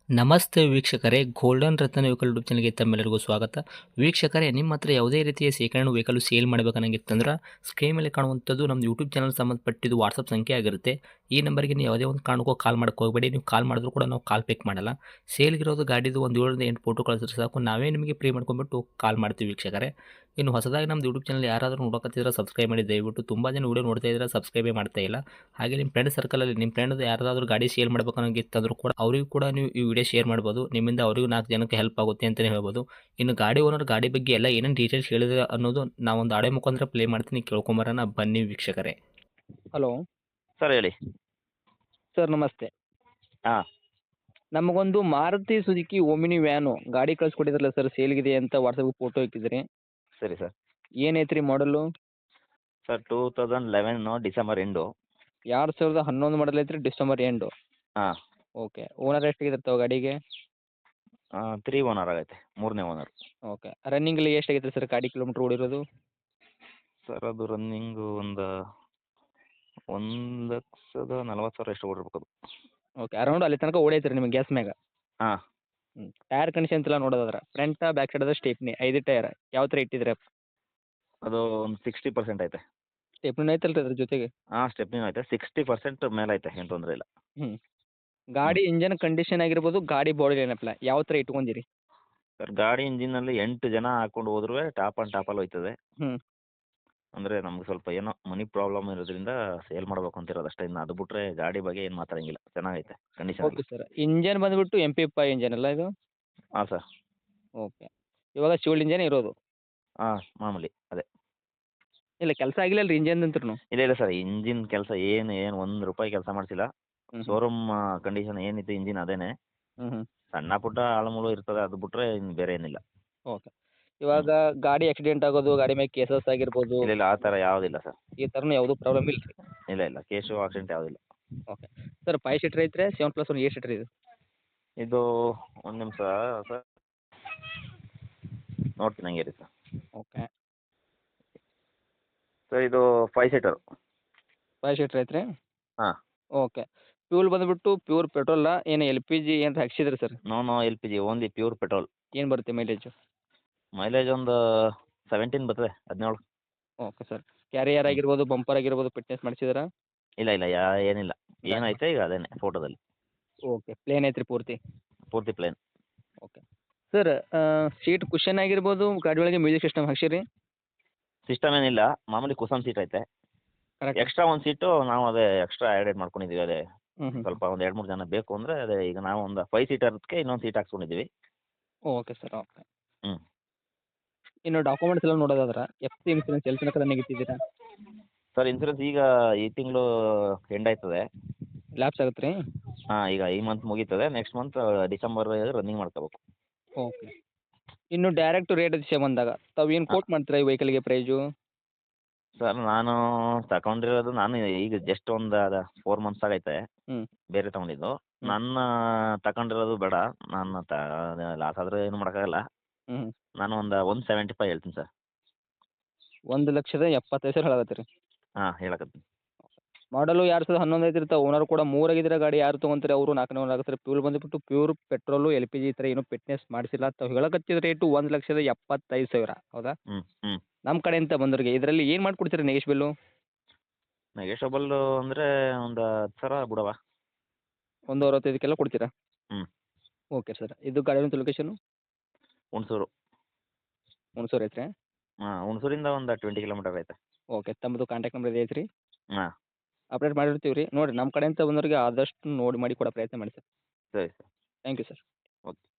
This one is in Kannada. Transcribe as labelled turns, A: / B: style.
A: ನಮಸ್ತೆ ವೀಕ್ಷಕರೇ, ಗೋಲ್ಡನ್ ರತ್ನ ವೆಹಿಕಲ್ ಯೂಟ್ಯೂಬ್ ಚಾನಲ್ಗೆ ತಮ್ಮೆಲ್ಲರಿಗೂ ಸ್ವಾಗತ. ವೀಕ್ಷಕರೇ, ನಿಮ್ಮ ಹತ್ರ ಯಾವುದೇ ರೀತಿಯ ಶೇಖರಣೆ ವೆಹಿಕಲ್ ಸೇಲ್ ಮಾಡಬೇಕನ್ನಂಗಿತ್ತಂದ್ರೆ ಸ್ಕ್ರೀನ್ ಮೇಲೆ ಕಾಣುವಂಥದ್ದು ನಮ್ಮ ಯೂಟ್ಯೂಬ್ ಚಾನಲ್ ಸಂಬಂಧಪಟ್ಟಿದ್ದು ವಾಟ್ಸಪ್ ಸಂಖ್ಯೆ ಆಗಿರುತ್ತೆ. ಈ ನಂಬರ್ಗೆ ನೀವು ಯಾವುದೇ ಒಂದು ಕಾರಣಕ್ಕೂ ಕಾಲ್ ಮಾಡಕ್ಕೆ ಹೋಗಬೇಡಿ. ನೀವು ಕಾಲ್ ಮಾಡಿದ್ರು ಕೂಡ ನಾವು ಕಾಲ್ ಪಿಕ್ ಮಾಡಲ್ಲ. ಸೇಲ್ಗಿರೋದು ಗಾಡಿದು ಒಂದು 7ರಿಂದ 8 ಫೋಟೋ ಕಳಿಸಿದ್ರೆ ಸಾಕು, ನಾವೇ ನಿಮಗೆ ಪ್ರೀ ಮಾಡ್ಕೊಂಡ್ಬಿಟ್ಟು ಕಾಲ್ ಮಾಡ್ತೀವಿ ವೀಕ್ಷಕರೇ. ಇನ್ನು ಹೊಸದಾಗಿ ನಮ್ಮದು ಯೂಟ್ಯೂಬ್ ಚಾನಲ್ ಯಾರಾದರೂ ನೋಡಕತ್ತಿದ್ರೆ ಸಬ್ಸ್ಕ್ರೈಬ್ ಮಾಡಿ ದಯವಿಟ್ಟು. ತುಂಬ ಜನ ವೀಡಿಯೋ ನೋಡ್ತಾ ಇದ್ದಾರೆ, ಸಬ್ಸ್ಕ್ರೈಬೇ ಮಾಡ್ತಾ ಇಲ್ಲ. ಹಾಗೆ ನಿಮ್ಮ ಫ್ರೆಂಡ್ ಸರ್ಕಲಲ್ಲಿ ನಿಮ್ಮ ಫ್ರೆಂಡ್ ಯಾರಾದರೂ ಗಾಡಿ ಸೇಲ್ ಮಾಡ್ಬೇಕನ್ನೋಂಗಿತ್ತಂದ್ರೂ ಕೂಡ ಅವರಿಗೂ ಕೂಡ ನೀವು ಈ ವಿಡಿಯೋ ಶೇರ್ ಮಾಡ್ಬೋದು. ನಿಮ್ಮಿಂದ ಅವರಿಗೂ 4 ಜನಕ್ಕೆ ಹೆಲ್ಪ್ ಆಗುತ್ತೆ ಅಂತಲೇ ಹೇಳ್ಬೋದು. ಇನ್ನು ಗಾಡಿ ಓನರ್ ಗಾಡಿ ಬಗ್ಗೆ ಎಲ್ಲ ಏನೇನು ಡೀಟೇಲ್ಸ್ ಹೇಳಿದ್ರೆ ಅನ್ನೋದು ನಾವೊಂದು ಆಡಿಯೋ ಮುಖಾಂತರ ಪ್ಲೇ ಮಾಡ್ತೀನಿ, ಕೇಳ್ಕೊಂಬರೋಣ ಬನ್ನಿ ವೀಕ್ಷಕರೇ.
B: ಹಲೋ
C: ಸರ್ ಹೇಳಿ.
B: ಸರ್, ನಮಸ್ತೆ.
C: ಹಾಂ.
B: ನಮಗೊಂದು ಮಾರುತಿ ಸುಜುಕಿ ಓಮಿನಿ ವ್ಯಾನು ಗಾಡಿ ಕಳಿಸ್ಕೊಟ್ಟಿದ್ರಲ್ಲ ಸರ್, ಸೇಲ್ಗಿದೆ ಅಂತ ವಾಟ್ಸಪ್ಗೆ ಫೋಟೋ ಇಟ್ಟಿದ್ರಿ.
C: ಸರಿ ಸರ್.
B: ಏನೈತ್ರಿ ಮಾಡಲು?
C: Sir 2011 December end.
B: 2011 ಮಾಡಲ್ ಐತ್ರಿ, ಡಿಸೆಂಬರ್ ಎಂಡು.
C: ಹಾಂ.
B: ಓಕೆ. ಓನರ್ ಎಷ್ಟಾಗಿದ್ರೆ ತಾವು ಗಾಡಿಗೆ?
C: 3 ಓನರ್ ಆಗೈತೆ, 3ನೇ ಓನರ್.
B: ಓಕೆ. ರನ್ನಿಂಗಲ್ಲಿ ಎಷ್ಟಾಗೈತೆ ಸರ್ ಗಾಡಿ ಕಿಲೋಮೀಟ್ರ್ ಓಡಿರೋದು?
C: ಸರ್ ಅದು ರನ್ನಿಂಗು ಒಂದು 1,40,000 ಎಷ್ಟು ಓಡಿರ್ಬೇಕು ಅದು.
B: ಓಕೆ. ಅರೌಂಡ್ ಅಲ್ಲಿ ತನಕ ಓಡೈತ್ರಿ ನಿಮಗೆ ಗ್ಯಾಸ್ ಮ್ಯಾಗ?
C: ಹಾಂ.
B: ಟೈರ್ ಕಂಡೀಷನ್ ಎಲ್ಲ ನೋಡೋದಾದ್ರೆ front back side stepney 5 tyre ಯಾವ ಥರ ಇಟ್ಟಿದ್ರೆ?
C: ಅದು ಒಂದು 60% ಐತೆ.
B: ಸ್ಟೇಪ್ನಿ ಐತಲ್ರಿ ಅದ್ರ ಜೊತೆಗೆ?
C: ಹಾಂ, ಸ್ಟೆಪ್ನಿನೂ ಐತೆ. 60% ಮೇಲೆ ಐತೆ, ಏನು ತೊಂದರೆ ಇಲ್ಲ.
B: ಹ್ಞೂ. ಗಾಡಿ ಇಂಜನ್ ಕಂಡೀಷನ್ ಆಗಿರ್ಬೋದು, ಗಾಡಿ ಬಾಡಿ ಏನಪ್ಪಲ್ಲ ಯಾವ ಥರ ಇಟ್ಕೊಂಡಿರಿ?
C: ಸರ್ ಗಾಡಿ ಇಂಜಿನಲ್ಲಿ 8 ಜನ ಹಾಕೊಂಡು ಹೋದ್ರೂ ಟಾಪ್ ಆ್ಯಂಡ್ ಟಾಪಲ್ಲಿ ಹೋಯ್ತದೆ.
B: ಹ್ಞೂ.
C: ಅಂದರೆ ನಮ್ಗೆ ಸ್ವಲ್ಪ ಏನೋ ಮನಿ ಪ್ರಾಬ್ಲಮ್ ಇರೋದ್ರಿಂದ ಸೇಲ್ ಮಾಡಬೇಕು ಅಂತಿರೋದು ಅಷ್ಟೇ. ಇನ್ನು ಅದು ಬಿಟ್ಟರೆ ಗಾಡಿ ಬಗ್ಗೆ ಏನು ಮಾತಾಡಂಗಿಲ್ಲ, ಚೆನ್ನಾಗೈತೆ ಕಂಡೀಷನ್.
B: Okay sir. ಇಂಜನ್ ಬಂದುಬಿಟ್ಟು MP5 ಇಂಜನ್ ಅಲ್ಲ ಇದು?
C: ಹಾಂ ಸರ್.
B: ಓಕೆ. ಇವಾಗ ಶಿವಲ್ ಇಂಜನ್ ಇರೋದು?
C: ಹಾಂ, ಮಾಮೂಲಿ ಅದೇ.
B: ಇಲ್ಲ ಕೆಲಸ ಆಗಿಲ್ಲ ಅಲ್ರಿ ಇಂಜನ್ ಅಂತ್ರೂ?
C: ಇಲ್ಲ ಇಲ್ಲ ಸರ್, ಇಂಜಿನ್ ಕೆಲಸ ಏನು ₹1 ಕೆಲಸ ಮಾಡಿಸಿಲ್ಲ.
B: ಹ್ಞೂ.
C: ಶೋರೂಮ್ ಕಂಡೀಷನ್ ಏನಿತ್ತು ಇಂಜಿನ್ ಅದೇನೆ.
B: ಹ್ಞೂ ಹ್ಞೂ.
C: ಸಣ್ಣ ಪುಟ್ಟ ಆಳಮೂಳು ಇರ್ತದೆ, ಅದು ಬಿಟ್ರೆ ಇನ್ನು ಬೇರೆ ಏನಿಲ್ಲ.
B: ಓಕೆ. ಇವಾಗ ಗಾಡಿ ಆಕ್ಸಿಡೆಂಟ್ ಆಗೋದು, ಗಾಡಿ ಮೇಲೆ ಕೇಸಸ್ ಆಗಿರ್ಬೋದು,
C: ಇಲ್ಲ ಇಲ್ಲ, ಆ ಥರ ಯಾವುದಿಲ್ಲ ಸರ್.
B: ಈ ಥರನೂ ಯಾವುದೂ ಪ್ರಾಬ್ಲಮ್ ಇಲ್ಲ ರೀ?
C: ಇಲ್ಲ ಇಲ್ಲ, ಕೇಸು ಆಕ್ಸಿಡೆಂಟ್ ಯಾವುದಿಲ್ಲ.
B: ಓಕೆ. ಸರ್ 5 ಸೀಟ್ರ್ ಐತ್ರಿ, 7+1 8 ಸೀಟ್ರ್ ಇದು?
C: ಇದು ಒಂದು ನಿಮಿಷ ಸರ್, ನೋಡ್ತೀನಿ ಹಂಗೆ ರೀ ಸರ್.
B: ಓಕೆ.
C: ಸರ್ ಇದು 5 ಸೀಟರು.
B: 5 ಸೀಟ್ರ್ ಐತ್ರಿ?
C: ಹಾಂ.
B: ಓಕೆ. ಫ್ಯೂಲ್ ಬಂದುಬಿಟ್ಟು ಪ್ಯೂರ್ ಪೆಟ್ರೋಲಾ ಏನು LPG ಏನಾರ ಹಾಕ್ಸಿದ್ರಿ sir?
C: No LPG, only pure petrol.
B: ಏನು ಬರುತ್ತೆ ಮೈಲೇಜು?
C: ಮೈಲೇಜ್ ಒಂದು 17 ಬರ್ತದೆ, 17.
B: Okay sir. ಕ್ಯಾರಿಯರ್ ಆಗಿರ್ಬೋದು, ಬಂಪರ್ ಆಗಿರ್ಬೋದು ಫಿಟ್ನೆಸ್ ಮಾಡಿಸಿದ್ರಾ?
C: ಇಲ್ಲ ಇಲ್ಲ, ಏನಿಲ್ಲ. ಏನೈತೆ ಈಗ ಅದೇನೆ ಫೋಟೋದಲ್ಲಿ.
B: ಓಕೆ. ಪ್ಲೇನ್ ಐತ್ರಿ ಪೂರ್ತಿ?
C: ಪೂರ್ತಿ plain.
B: Okay. Sir seat cushion ಆಗಿರ್ಬೋದು, ಗಾಡಿ ಒಳಗೆ ಮ್ಯೂಸಿಕ್ ಸಿಸ್ಟಮ್ ಹಾಕ್ಸಿರಿ?
C: ಸಿಸ್ಟಮ್ ಏನಿಲ್ಲ, ಮಾಮೂಲಿ ಕುಸನ್ ಸೀಟ್ ಐತೆ.
B: ಕರೆಕ್ಟ್.
C: ಎಕ್ಸ್ಟ್ರಾ ಒಂದು ಸೀಟು ನಾವು ಅದೇ ಎಕ್ಸ್ಟ್ರಾ ಆ್ಯಡೆಡ್ ಮಾಡ್ಕೊಂಡಿದ್ದೀವಿ. ಅದೇ
B: ಹ್ಞೂ ಹ್ಞೂ.
C: ಸ್ವಲ್ಪ ಒಂದು 2-3 ಜನ ಬೇಕು ಅಂದರೆ ಅದೇ ಈಗ ನಾವು ಒಂದು 5 ಸೀಟರ್ಗೆ ಇನ್ನೊಂದು ಸೀಟ್ ಹಾಕ್ಸ್ಕೊಂಡಿದ್ದೀವಿ.
B: Okay sir. ಓಕೆ.
C: ಹ್ಞೂ.
B: ಇನ್ನು ಡಾಕ್ಯುಮೆಂಟ್ಸ್ ಎಲ್ಲ ನೋಡೋದಾದ್ರೆ FC ಇನ್ಸೂರೆನ್ಸ್ ಎಲ್ಲಿ ತನಕ ರನ್ನಿಂಗ್ ಇಟ್ಟಿದ್ದೀರಾ?
C: ಸರ್ ಇನ್ಸೂರೆನ್ಸ್ ಈಗ ಈ ತಿಂಗಳು ಎಂಡ್ ಆಯ್ತದೆ.
B: ಲ್ಯಾಪ್ಸ್ ಆಗುತ್ತೆ ರೀ?
C: ಹಾಂ, ಈಗ ಈ ಮಂತ್ ಮುಗೀತದೆ, ನೆಕ್ಸ್ಟ್ ಮಂತ್ ಡಿಸೆಂಬರ್ ರನ್ನಿಂಗ್ ಮಾಡ್ಕೋಬೇಕು.
B: ಓಕೆ. ಇನ್ನು ಡೈರೆಕ್ಟ್ ರೇಟ್ ವಿಷಯ ಬಂದಾಗ ತಾವು ಏನು ಕೋಟ್ ಮಾಡ್ತೀರಾ ಈ ವೆಹಿಕಲ್ಗೆ ಪ್ರೈಸು?
C: ಸರ್ ನಾನು ತಗೊಂಡಿರೋದು ಈಗ ಜಸ್ಟ್ ಒಂದು 4 ಮಂತ್ಸ್ ಆಗೈತೆ
B: ಹ್ಞೂ.
C: ಬೇರೆ ತೊಗೊಂಡಿದ್ದು. ನನ್ನ ತಗೊಂಡಿರೋದು ಬೇಡ, ನಾನು ಲಾಸ್ ಆದರೆ ಏನು ಮಾಡೋಕ್ಕಾಗಲ್ಲ.
B: ಹ್ಞೂ.
C: ನಾನು ಒಂದು 175 ಹೇಳ್ತೀನಿ ಸರ್.
B: 1,75,000 ಹೇಳಕತ್ತೀರಿ?
C: ಹಾಂ, ಹೇಳಕತ್ತೀನಿ.
B: ಮಾಡಲು 2011 ಐತ್ರಿ, ತಾವು ಓನರ್ ಕೂಡ 3 ಆಗಿದ್ರೆ ಗಾಡಿ ಯಾರು ತೊಗೊಂತಾರೆ ಅವರು 4ನೇ ಓನರ್ ಆಗುತ್ತೆ. ಫ್ಯೂಲ್ ಬಂದುಬಿಟ್ಟು ಪ್ಯೂರ್ ಪೆಟ್ರೋಲು, LPG ಈ ಥರ ಏನೂ ಫಿಟ್ನೆಸ್ ಮಾಡಿಸಿಲ್ಲ. ತಾವು ಹೇಳಕತ್ತಿದ ರೇಟು 1,75,000 ಹೌದಾ?
C: ಹ್ಞೂ ಹ್ಞೂ.
B: ನಮ್ಮ ಕಡೆಯಿಂದ ಬಂದವ್ರಿಗೆ ಇದರಲ್ಲಿ ಏನು ಮಾಡಿಕೊಡ್ತೀರಾ ನೆಗೆಶ್ಬಲ್ಲು?
C: ನೆಗೆಷಬಲ್ಲು ಅಂದರೆ ಒಂದು 10,000 ಬಿಡವಾ?
B: 1,65,000 ಕೊಡ್ತೀರಾ?
C: ಹ್ಞೂ.
B: Okay sir. ಇದು ಗಾಡಿ ಲೊಕೇಶನು?
C: ಹುಣಸೂರು.
B: ಹುಣಸೂರು ಐತ್ರಿ?
C: ಹಾಂ, ಹುಣಸೂರಿಂದ ಒಂದು 20 ಕಿಲೋಮೀಟರ್ ಐತೆ.
B: ಓಕೆ. ತಮ್ಮದು ಕಾಂಟ್ಯಾಕ್ಟ್ ನಂಬರ್ ಇದೆ ಐತ್ರಿ?
C: ಹಾಂ.
B: ಅಪ್ಡೇಟ್ ಮಾಡಿರ್ತೀವಿ ರೀ. ನೋಡಿರಿ ನಮ್ಮ ಕಡೆಯಿಂದ ಬಂದವ್ರಿಗೆ ಆದಷ್ಟು ನೋಡಿ ಮಾಡಿ ಕೊಡೋ ಪ್ರಯತ್ನ ಮಾಡಿ ಸರ್.
C: ಸರಿ sir.
B: Thank you sir.
C: Okay.